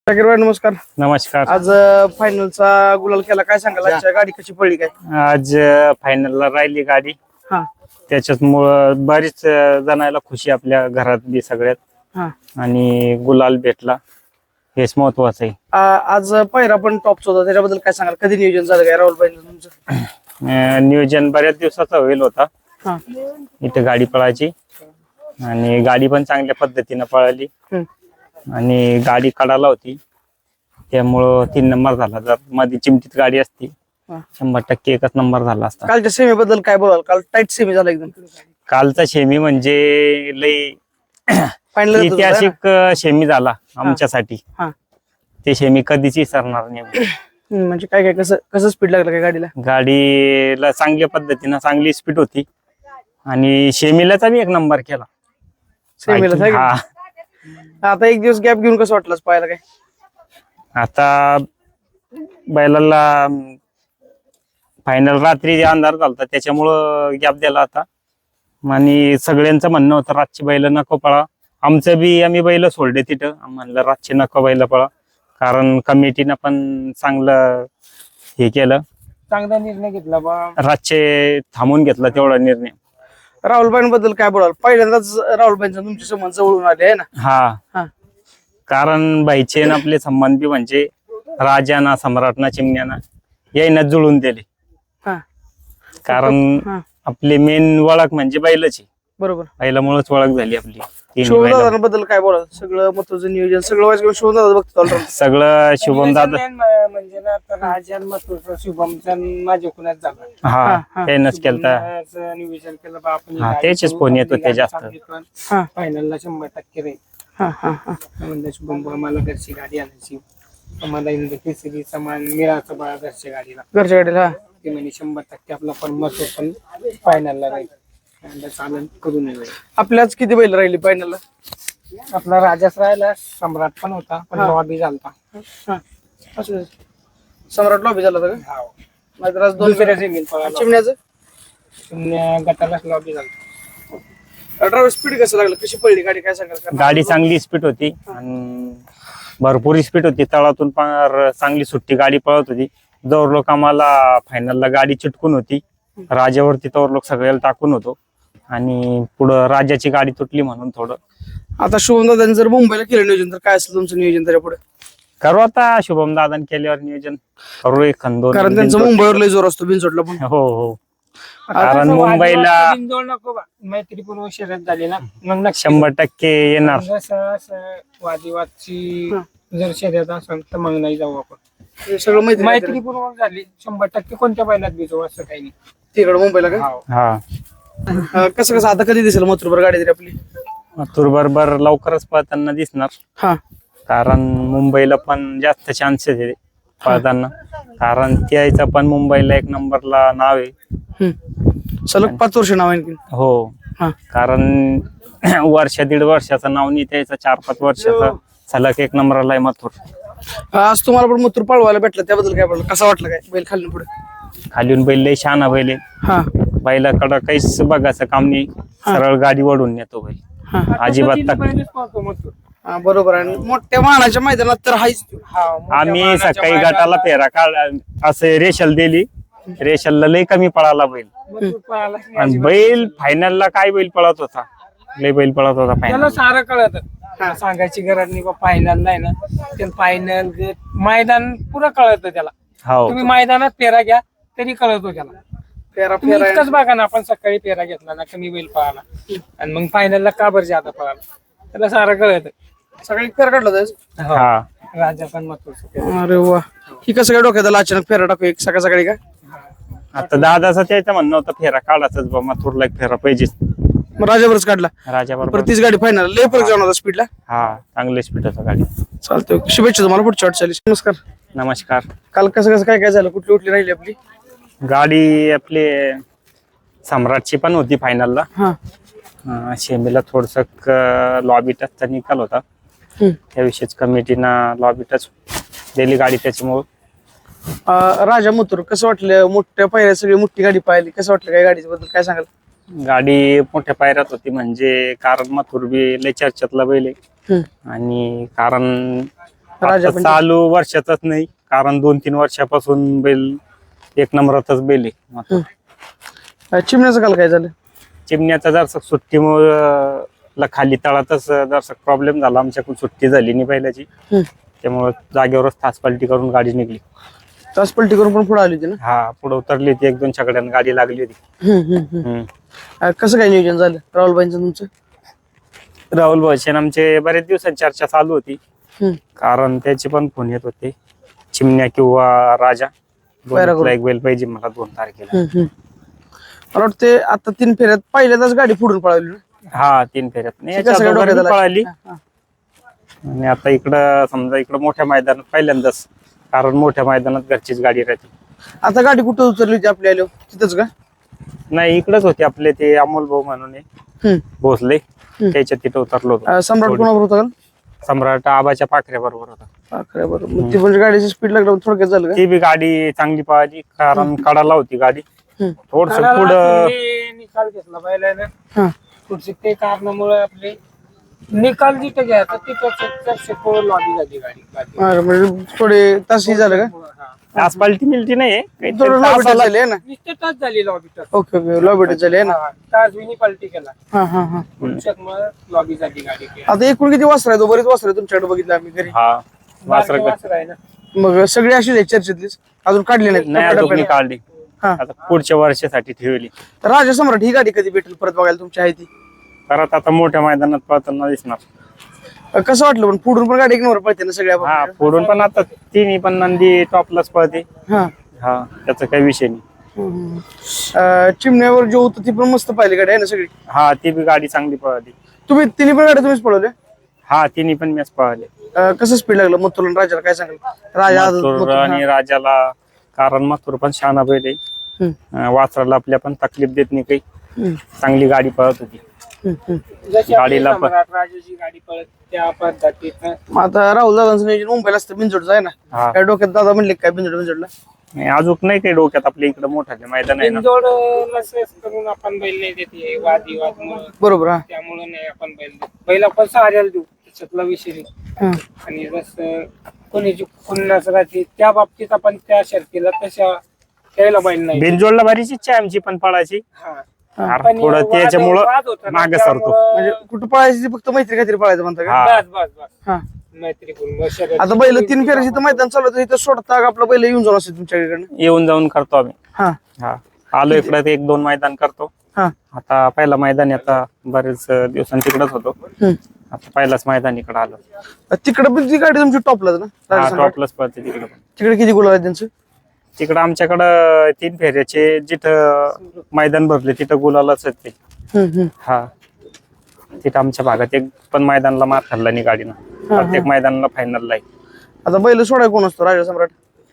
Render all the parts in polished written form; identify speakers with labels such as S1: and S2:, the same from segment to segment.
S1: शाकीर भाई नमस्कार.
S2: नमस्कार.
S1: आज फायनलचा गुलाल केला, काय सांगाल आजच्या गाडी कशी पडली काय?
S2: आज फायनलला राहिली गाडी.
S1: हा
S2: त्याच्यामुळं बरीच जणायला खुशी आपल्या घरात बी सगळ्यात.
S1: हा
S2: आणि गुलाल भेटला हेच महत्वाचं आहे.
S1: आज पहिरा पण टॉपचा होता, त्याच्याबद्दल काय सांगाल? कधी नियोजन झालं काय राहुल भाई तुमचं?
S2: नियोजन बऱ्याच दिवसाचा होईल होता.
S1: हा
S2: इथे गाडी पळायची आणि गाडी पण चांगल्या पद्धतीनं पळाली आणि गाडी काढायला होती, त्यामुळं 3 नंबर झाला. जर मध्ये चिमटीत गाडी असती 100% एकच नंबर झाला असता.
S1: कालच्या सेमी बद्दल काय बोलाल? काल टाईट सेमी झाला एकदम.
S2: कालचा शेमी म्हणजे लई
S1: फायनल
S2: ऐतिहासिक शेमी झाला आमच्यासाठी.
S1: हा
S2: ते शेमी कधीच विसरणार नाही.
S1: म्हणजे काय काय कसं कसं स्पीड लागलं काय गाडीला?
S2: गाडीला चांगल्या पद्धतीनं चांगली स्पीड होती आणि शेमीलाचा बी 1 नंबर केला.
S1: सेमीला
S2: हा.
S1: आता एक दिवस गॅप घेऊन कसं वाटलं पाहायला काय?
S2: आता बैलाला फायनल रात्री अंधार झालता त्याच्यामुळं गॅप दिला आता. आणि सगळ्यांचं म्हणणं होतं रातची बैल नको पळा. आमचं बी आम्ही बैल सोडले तिथं. म्हणलं रातची नको बैल पळा, कारण कमिटीनं पण चांगलं हे केलं,
S1: चांगला निर्णय घेतला बा.
S2: रातचे थांबून घेतला तेवढा निर्णय.
S1: राहुलबाईंबद्दल काय बोलाल? पहिल्यांदाच राहुलबाईंचा तुमचे संबंध जवळून आले आहे ना?
S2: हा, कारण बाईचे न आपले संबंध बी म्हणजे राजाना सम्राटना चिमण्याना यायना जुळून दिले.
S1: हा
S2: कारण
S1: हा
S2: आपली मेन ओळख म्हणजे बैलाची.
S1: बरोबर.
S2: बैलामुळेच ओळख झाली आपली.
S1: शिवमदादांबद्दल काय बोलाल? सगळं महत्वाचं नियोजन सगळं वाईज शिवमदादा बघतो
S2: सगळं शुभम दादा.
S3: म्हणजे ना राजन महत्वाचं शुभमचा माझ्या कुणाच झाला.
S2: हा त्यानंच केलता.
S3: नियोजन केलं बा आपण.
S2: हा त्याचेच फोन येतो ते जास्त.
S3: फायनलला 100% राहील.
S1: हा हा हा
S3: म्हणजे शुभम मला घरची गाडी आणायची, मला इंद्र केसरी समान मिळाचं बा घरच्या गाडीला.
S1: घरच्या गाडीला.
S3: ते म्हणजे 100% आपला पण मत पण फायनलला राहील. चालन करून येईल.
S1: आपल्याच किती बैल राहिली फायनलला?
S3: आपला राजाच राहिला, सम्राट पण होता पण लॉबी झालता.
S1: सम्राट लॉबी झाला होता का? नाहीतर आज 2
S3: दुसऱ्या सेमीत पळाला.
S1: चिमण्याचं
S3: गटालाच लॉबी झालता.
S1: ड्रायव्हर स्पीड कसं लागलं? कशी पडली गाडी काय सांगाल?
S2: गाडी चांगली स्पीड होती आणि भरपूर स्पीड होती. तळातून पार चांगली सुट्टी गाडी पळत होती. जवळ लोक आम्हाला फायनलला गाडी चिटकून होती, राजावरती तवर लोक सगळ्याला टाकून होतो आणि पुढं राजाची गाडी तुटली म्हणून थोडं.
S1: आता शुभम दादांनी जर मुंबईला केलं नियोजन तर काय असेल तुमचं नियोजन त्याच्या पुढे?
S2: करू आता शुभम दादान केल्यावर नियोजन करू 1-2.
S1: कारण त्यांचं मुंबईवर लय जोर असतो बिनचोटला पण.
S2: हो हो, कारण मुंबईला
S3: नको बा, मैत्रीपूर्व शर्यत झाली ना, मग
S2: 100% येणार.
S3: वादविवादची जर शर्यत असेल तर मग नाही जाऊ आपण.
S1: हे सगळं माहिती
S3: मैत्रीपूर्वक झाली 100% कोणत्या बैलात भिजू असं काही नाही.
S1: तिकडे मुंबईला का?
S2: हा,
S1: कसं कसं आता कधी दिसेल मथुरभर गाडी तरी आपली?
S2: मथुर बरोबर लवकरच पळताना दिसणार.
S1: हा
S2: कारण मुंबईला पण जास्त चान्सेस आहे पळताना, कारण त्याचं पण मुंबईला 1 नंबरला नाव आहे.
S1: सलग 5 वर्ष नाव आहे.
S2: हो,
S1: हा
S2: कारण वर्ष 1.5 वर्षाचं नाव नाही त्याचं, 4-5 वर्षाचा सलग 1 नंबरला आहे मथुर.
S1: आज तुम्हाला पण मथुर पळवायला भेटलं, त्याबद्दल काय बोललं? कसं वाटलं काय बैल खाली पुढे?
S2: खालीून बैल लय शहाणा बैल आहे.
S1: हा
S2: बैलाकडं काहीच बघायचं काम नाही, सरळ गाडी वडून नेतो बैल. अजिबात
S1: हा बरोबर आहे. मोठ्या मानाच्या मैदानात तर हायच.
S2: आम्ही सकाळी गटाला फेरा काढ असे रेशल दिली, रेशलला लय कमी पळाला बैल. आणि बैल फायनलला काय बैल पळत होता, लय बैल पळत होता
S3: त्याला
S2: फायनल.
S3: सारं कळत. सांगायची गरज नाही बा, फायनल नाही ना, ते फायनल मैदान पुरं कळत त्याला.
S2: हो,
S3: तुम्ही मैदानात फेरा घ्या तरी कळतो त्याला.
S1: फेरा
S3: तुम्ही
S1: फेरा
S3: इतकंच बघा ना, आपण सकाळी फेरा घेतला ना, कमी बैल पळाला आणि मग फायनलला का बरं जादा पळाला, त्याला सारं कळत.
S1: सगळी फेरा काढला होता.
S2: हा.
S3: राजा पण महत्वाचं.
S1: अरे वा, ही कसं काय डोक्यात आलं अचानक फेरा टाकू एक सकाळ सकाळी का?
S2: आता दादाचं त्याचं म्हणणं होतं फेरा काढायचाच बा, मथुरला एक फेरा पाहिजेच.
S1: मग राजावरच काढला.
S2: राजा
S1: परत
S2: बरोबर.
S1: तीच गाडी फायनल लय फरक जाऊन होता स्पीडला.
S2: हा, चांगले स्पीड होता गाडी.
S1: चालतंय, शुभेच्छा तुम्हाला पुढच्या वाटचालीस. नमस्कार.
S2: नमस्कार.
S1: काल कसं कसं काय काय झालं? कुठली कुठली राहिली आपली
S2: गाडी? आपली सम्राटची पण होती फायनलला.
S1: हा
S2: शेमीला थोडस लॉबी टचचा निकाल होता, त्याविषयीच कमिटीनं लॉबी टच दिली गाडी. त्याच्यामुळं
S1: राजा मथुर कसं वाटलं? मोठ्या पायऱ्या सगळी मोठी गाडी पाहिली, कसं वाटलं काय गाडीच्या बद्दल काय सांगाल?
S2: गाडी मोठ्या पायऱ्यात होती म्हणजे कारण मथुर बी लय चर्चेतला बैल आहे. आणि कारण
S1: राजा
S2: आता
S1: पण
S2: चालू वर्षातच नाही, कारण 2-3 वर्षापासून बैल एक नंबरातच बैल आहे आता.
S1: चिमण्याचं काल काय झालं?
S2: चिमण्याचा जरसा सुट्टीमुळे खाली तळातच जरसा प्रॉब्लेम झाला, आमच्याकडून सुट्टी झाली नाही बैलाची,
S1: हम्म.
S2: त्यामुळे जागेवरच तास पलटी करून गाडी निघली.
S1: तास पलटी करून पण पुढे आली होती ना?
S2: हा, पुढे उतरली होती, 1-2 छकड्यानं गाडी लागली होती.
S1: कसं काय नियोजन झालं राहुलबाईंचं तुमचं?
S2: राहुल भाषण आमचे बरेच दिवसांची चर्चा चालू होती,
S1: हम्म.
S2: कारण त्याचे पण फोन येत होते, चिमण्या किंवा राजा
S1: बरं.
S2: दोन्हीतला एक बैल पाहिजे मला 2 तारखेला.
S1: मला वाटते आता 3 फेऱ्यात पहिल्यांदाच गाडी पुढून पळवली ना?
S2: हा, 3 फेऱ्यात नाही,
S1: कसं
S2: याच्या
S1: काय
S2: अगोदर
S1: डोक्यात
S2: बी
S1: आलं?
S2: पळाली.
S1: हा.
S2: आणि आता इकडं समजा इकडं मोठ्या मैदानात पहिल्यांदाच, कारण मोठ्या मैदानात घरचीच गाडी राहते.
S1: आता गाडी कुठं उतरली होती आपल्या आलो तिथंच का?
S2: नाही, इकडंच होते आपले ते अमोल भाऊ म्हणून आहे, भोसले, त्याच्या तिथं उतरलो होतो.
S1: सम्राट कोणावर होता का?
S2: सम्राट आबाच्या पाखऱ्या बरोबर होता.
S1: बरोबर. मग ती म्हणजे गाडीची स्पीड लागल्यावर थोडक्यात झालं का?
S2: ती बी गाडी चांगली पळाली, कारण कडाला होती गाडी, थोडस
S3: कडाला
S2: पुढं
S3: तुम्ही निकाल घेतला बैलानं.
S1: हा.
S3: पुढचे ते कारणामुळे आपले निकाल जिथे घ्यायचा तिथं लॉबी झाली गाडी.
S1: म्हणजे थोडे तासही झालं का?
S3: हा.
S2: आज पलटी मिलटी नाही काहीतरी
S1: थोडं
S2: तास
S1: लॉबी
S2: आला.
S1: झाली आहे ना?
S3: नुसते तास झाली लॉबी तर.
S1: ओके ओके, लॉबी झाली आहे ना?
S3: तासविनी पलटी केला.
S1: हा.
S3: पुढच्यामुळे लॉबी झाली गाडी.
S1: आता एकूण किती वासर आहे? बरेच वासर आहे तुमच्याकडे बघितलं आम्ही घरी.
S2: हा, वासर
S3: वासर आहे ना.
S1: मग सगळे अशीच आहे चर्चेतलीच, अजून काढली
S2: नाही,
S1: नाही
S2: अजून मी काढली,
S1: हा.
S2: आता पुढच्या वर्षासाठी ठेवली.
S1: तर राजा सम्राट ही गाडी कधी भेटेल परत बघायला तुमची आहे ती?
S2: परत आता मोठ्या मैदानात पळताना दिसणार.
S1: कसं वाटलं पण पुढून पण गाडी एक नंबर पळते ना सगळ्या?
S2: हा, पुढून पण आता तिन्ही पण नंदी टॉपलाच पळते.
S1: हा.
S2: हा, त्याचा काही विषय नाही.
S1: चिमण्यावर जो होतं ती पण मस्त पाहिली गाडी आहे ना सगळी?
S2: हा, ती बी गाडी चांगली पळाली.
S1: तुम्ही तिन्ही पण गाडी तुम्हीच पळवल्या?
S2: हा, तिन्ही पण मॅच पळाले.
S1: कसं स्पीड लागलं मथुर आणि राजाला काय सांगाल? राजा
S2: मथुर आणि राजाला, कारण मथुर पण शहाणा बैल आहे, वासराला आपल्या पण तकलीफ देत नाही काही, चांगली गाडी पळत होती.
S3: जशी
S2: गाडीला
S3: आपली सम्राट राजाची गाडी पळत त्या पद्धतीनं.
S1: मग आता राहुल दादांचं नियोजन मुंबईला असतं बिंजोडचं आहे ना?
S2: हा.
S1: काय डोक्यात दादा म्हणले काय बिंजोडला?
S2: नाही, अजून नाही काही डोक्यात, आपल्या इकडे मोठा मैदान आहे ना.
S3: बिनजोड नसेल करून आपण बैल नाही देते वादविवाद
S1: बरोबर. हा.
S3: त्यामुळे नाही आपण बैल देत. बैल आपण सहाऱ्याला देऊ, त्याच्यातला विषय नाही.
S1: हा.
S3: आणि जसं कोणी खुन्नस राहते त्या बाबतीत आपण त्या शर्तीला तशा त्याला बैल नाही.
S2: बिनजोडला बरीच इच्छा आहे आमची पण पळायची,
S3: हा.
S2: अरे
S3: पण
S2: थोडं
S3: वाद
S2: त्याच्यामुळं
S3: होता ना,
S2: मागे सरतो.
S3: त्यामुळं
S1: म्हणजे कुठं पळायची ती फक्त मैत्री खातीर पळायचं म्हणता का?
S2: हा.
S3: बस
S1: हा.
S3: मैत्रीपूर्ण शर्यत.
S1: आता बैल 3 फेऱ्याची तर मैदान चालू होतं, इथं सोडता आपलं बैल येऊन जाऊन असते तुमच्याकडे?
S2: येऊन जाऊन करतो आम्ही.
S1: हा.
S2: हा, आलो इकडे 1-2 मैदान करतो.
S1: हा.
S2: आता पहिला मैदान, आता बरेच दिवसांनी तिकडेच होतो, आता पहिलाच मैदान इकडे आलो.
S1: तिकडे पण ती गाडी तुमची टॉपलाच ना?
S2: हा,
S1: राजा सम्राट?
S2: टॉपलाच पळते तिकडे पण.
S1: तिकडे किती गुलाल आहेत त्यांचं?
S2: तिकडं आमच्याकडं 3 फेऱ्याचे जिथं मैदान भरले तिथं गुलालाच आहेत ते. हा, तिथं आमच्या भागात एक पण मैदानाला मार खाल्ला नाही गाडीनं, प्रत्येक मैदानाला फायनलला आहे.
S1: आता बैल सोडाय कोण असतो राजा सम्राट?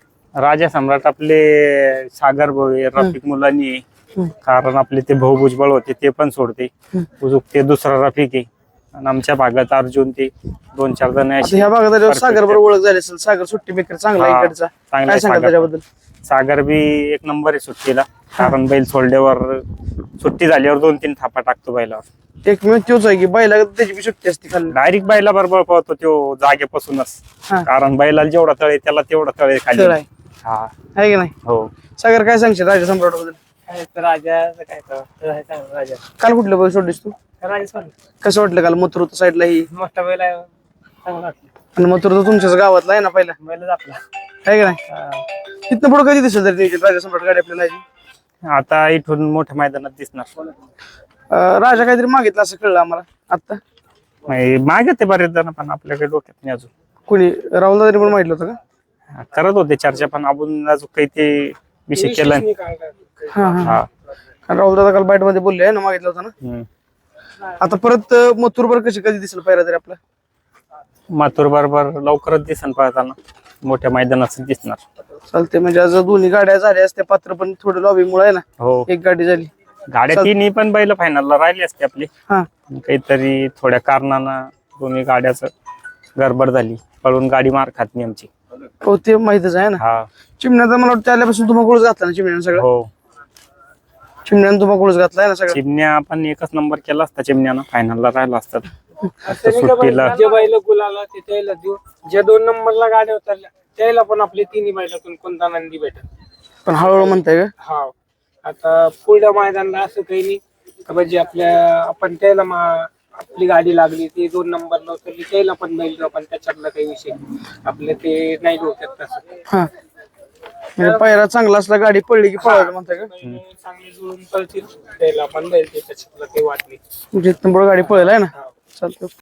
S2: राजा सम्राट आपले सागर भाऊ आहे, रफिक मुलांनी आहे, कारण आपले ते भाऊ भुजबळ होते ते पण सोडते, उजूक ते दुसरा रफिक आहे, आणि आमच्या भागात अर्जुन ते 2-4 जण
S1: आता ह्या भागात सागर बरोबर ओळख झाली असेल, सागर सुट्टी मेकर चांगला आहे
S2: हा,
S1: इकडचा,
S2: चांगला
S1: काय
S2: आहे
S1: सांगाल
S2: सागर.
S1: त्याच्याबद्दल?
S2: सागर बी एक नंबर आहे सुट्टीला, कारण बैल सोडल्यावर सुट्टी झाल्यावर 2-3 थापा टाकतो बैलावर.
S1: एक मिनिट तोच आहे की बैला त्याची बी सुट्टी असते खाली?
S2: डायरेक्ट बैला बरोबर पळतो तो जागेपासूनच,
S1: हा.
S2: कारण बैलाला जेवढा तळे त्याला तेवढा तळे खाली.
S1: खेळ आहे.
S2: हा,
S1: आहे की नाही?
S2: हो.
S1: सागर काय सांगशील राजा सम्राट बद्दल?
S3: काय तर राजाचं काय तर चांगलं राजा.
S1: काल कुठलं बैल सोडलीस तू?
S3: राजा सोडलं.
S1: कसं वाटलं काल मथुर साईडला ही?
S3: मोठा बैल आहे, चांगला वाटलं.
S1: आणि मथुर तर तुमच्याच गावातला आहे ना पहिला,
S3: बैलच आपला.
S1: आहे की नाही? तिथनं पुढे कधी दिसेल तरी नियोजन राजा सम्राट गाडी आपल्याला यायची?
S2: आता इथून मोठ्या मैदानात दिसणार.
S1: राजा काहीतरी मागितलं असं कळलं आम्हाला आता.
S2: मागे ते बरेच जण, पण आपल्याकडे डोक्यात नाही अजून.
S1: कोणी राहुल दादानी पण मागितलं होतं का?
S2: करत होते चर्चा, पण आपण अजून काही ते विषय केला नाही.
S1: हा.
S2: हा.
S1: कारण राहुल दादा काल बाईट मध्ये बोलले आहे ना, मागितलं होतं ना.
S2: हम्म.
S1: आता परत मथुर बर कधी दिसेल पायरा तरी आपला?
S2: माथुर बरोबर लवकरच दिसन पळताना, मोठ्या मैदानात दिसणार.
S1: चालते. म्हणजे आज दोन्ही गाड्या झाल्या असत्या, पात्र पण थोडं लॉबी मुळे आहे ना,
S2: हो,
S1: एक गाडी झाली.
S2: गाड्या तिन्ही पण बैल फायनलला राहिली असते आपली,
S1: हा.
S2: काहीतरी थोड्या कारणानं दोन्ही गाड्याच गडबड झाली, पळून गाडी मार खात नाही आमची.
S1: हो, ते माहितच आहे ना.
S2: हा,
S1: चिमण्याचा मला वाटतं आल्यापासून तुम्हाला गोळच घातला ना चिमण्यानं सगळं?
S2: हो.
S1: चिमण्यानं तुम्हाला गोळच घातला आहे ना सगळं?
S2: चिमण्या पण एकच नंबर केला असता, चिमण्यानं फायनलला राहिला असतात.
S3: असं नाही का
S2: सुट्टीला.
S3: जे बैल गुलाला ते त्याला देऊ, ज्या 2 नंबरला गाड्या उतरल्या त्याला पण आपले तिन्ही बैलातून कोणता नंदी भेटल.
S1: पण हळूहळू म्हणताय का?
S3: हा, आता पुढल्या मैदानाला असं काही नाही का म्हणजे आपण त्याला आपली गाडी लागली ती 2 नंबरला उतरली त्याला पण बैल देऊ, पण त्याच्यातला काही विषय नाही. आपले ते नाही डोक्यात तसं.
S1: हा, म्हणजे पायरा चांगला असला गाडी पडली की पळायचं म्हणताय का?
S3: बैल चांगले जुळून पळतील त्याला पण बैल त्याच्यातला काही वाट नाही.
S1: जिथून गाडी पळेल आहे ना. चालतं.